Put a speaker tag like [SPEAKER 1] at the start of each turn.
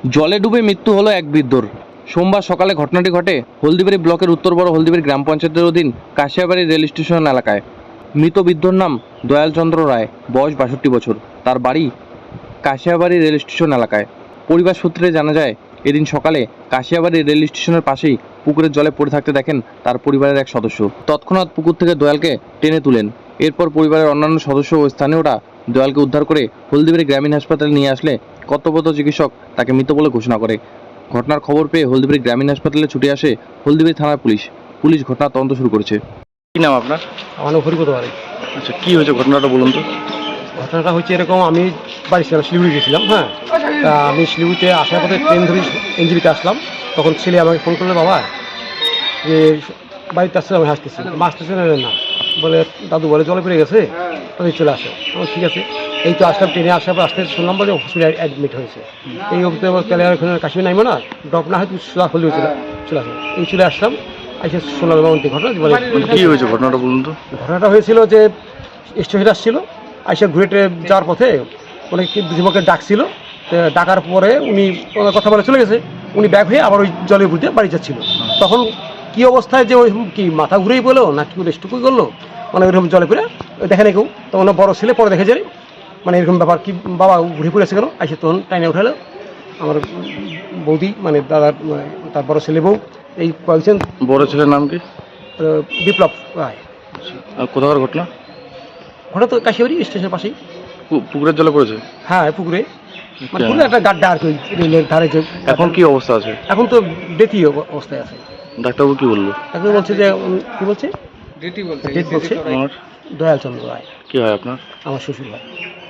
[SPEAKER 1] জলে ডুবে মৃত্যু হলো এক বৃদ্ধর। সোমবার সকালে ঘটনাটি ঘটে হলদিবাড়ি ব্লকের উত্তর বড় হলদিবাড়ি গ্রাম পঞ্চায়েতের অধীন কাশিয়াবাড়ি রেল স্টেশন এলাকায়। মৃত বৃদ্ধর নাম দয়ালচন্দ্র রায়, বয়স ৬২ বছর। তার বাড়ি কাশিয়াবাড়ি রেল স্টেশন এলাকায়। পরিবার সূত্রে জানা যায়, এদিন সকালে কাশিয়াবাড়ি রেল স্টেশনের পাশেই পুকুরের জলে পড়ে থাকতে দেখেন তার পরিবারের এক সদস্য। তৎক্ষণাৎ পুকুর থেকে দয়ালকে টেনে তুলেন। এরপর পরিবারের অন্যান্য সদস্য ও স্থানীয়রা দয়ালকে উদ্ধার করে হলদিবাড়ি গ্রামীণ হাসপাতালে নিয়ে আসলে কর্তব্যরত চিকিৎসক তাকে মৃত বলে ঘোষণা করে। ঘটনার খবর পেয়ে হলদিবাড়ি গ্রামীণ হাসপাতালে ছুটে আসে হলদিবাড়ি থানার পুলিশ। পুলিশ ঘটনার তদন্ত শুরু করেছে।
[SPEAKER 2] কি নাম আপনার?
[SPEAKER 3] আমার নাম হরিপদ বাড়ি।
[SPEAKER 2] আচ্ছা, কি হয়েছে ঘটনাটা বলুন তো।
[SPEAKER 3] ঘটনাটা হচ্ছে এরকম, আমি বাড়ি ছিলাম, শিলিগুড়ি গেছিলাম। হ্যাঁ, তা আমি শিলিগুড়িতে আসার পথে ট্রেন ধরে এনজিবিতে আসলাম। তখন ছেলে আমাকে ফোন করলো, বাবা যে বাড়িতে আসছে, আমি হাসতেছি, আসতেছে না, বলে দাদু বলে জলে পড়ে গেছে, তুমি চলে আসো। আমার ঠিক আছে। এই তো আসলাম, ট্রেনে আসার পর আসতে শুনলাম বলে হসপিটালে অ্যাডমিট হয়েছে। এই অবস্থা তাহলে ওখানে কাশ্মীর নাইবো না, ড্রপ না হয় তুমি সোজা হলে হয়েছিল, চলে আসো। এই চলে আসলাম, এসে শুনলাম এমনটি ঘটনা।
[SPEAKER 2] কি হয়েছে ঘটনাটা বলুন তো।
[SPEAKER 3] ঘটনাটা হয়েছিল যে স্টেশনে আসছিল, আইসা ঘুরে যাওয়ার পথে অনেক দুজনকে ডাকছিল। ডাকার পরে উনি কথা বলে চলে গেছে। উনি ব্যাগ হয়ে আবার ওই জলের বুঝতে বাড়ি যাচ্ছিল। তখন কি অবস্থায় যে ওই কি মাথা ঘুরেই বলো না কি রেস্টুকুই করলো, মানে ওইরকম জলে পড়ে দেখে না কেউ। তখন বড় ছেলে পরে দেখে যায়, মানে এরকম ব্যাপার, কি বাবা ঘুরে পড়েছে কেন, আইসে তখন টাইনে উঠালো আমার বৌদি, মানে দাদার তার বড় ছেলে বউ। এই বলছেন
[SPEAKER 2] বড় ছেলের নাম কি?
[SPEAKER 3] বিপ্লব রায়।
[SPEAKER 2] আর কোথাকার ঘটনা?
[SPEAKER 3] ঘটনা তো কাশিয়াবাড়ি স্টেশনের পাশেই।
[SPEAKER 2] পুকুরের জলে পড়েছে?
[SPEAKER 3] হ্যাঁ, পুকুরে, মানে পুকুরে একটা গাড্ডা আর কি, রেলের ধারে যে।
[SPEAKER 2] এখন কি অবস্থা আছে?
[SPEAKER 3] এখন তো ডেথি অবস্থায় আছে।
[SPEAKER 2] ডাক্তারবাবু কি বললো?
[SPEAKER 3] এখন বলছে যে কি বলছে, ডেথ বলছে।
[SPEAKER 2] আমার
[SPEAKER 3] দয়ালচন্দ্র রায়
[SPEAKER 2] কি হয় আপনার?
[SPEAKER 3] আমার শ্বশুর হয়।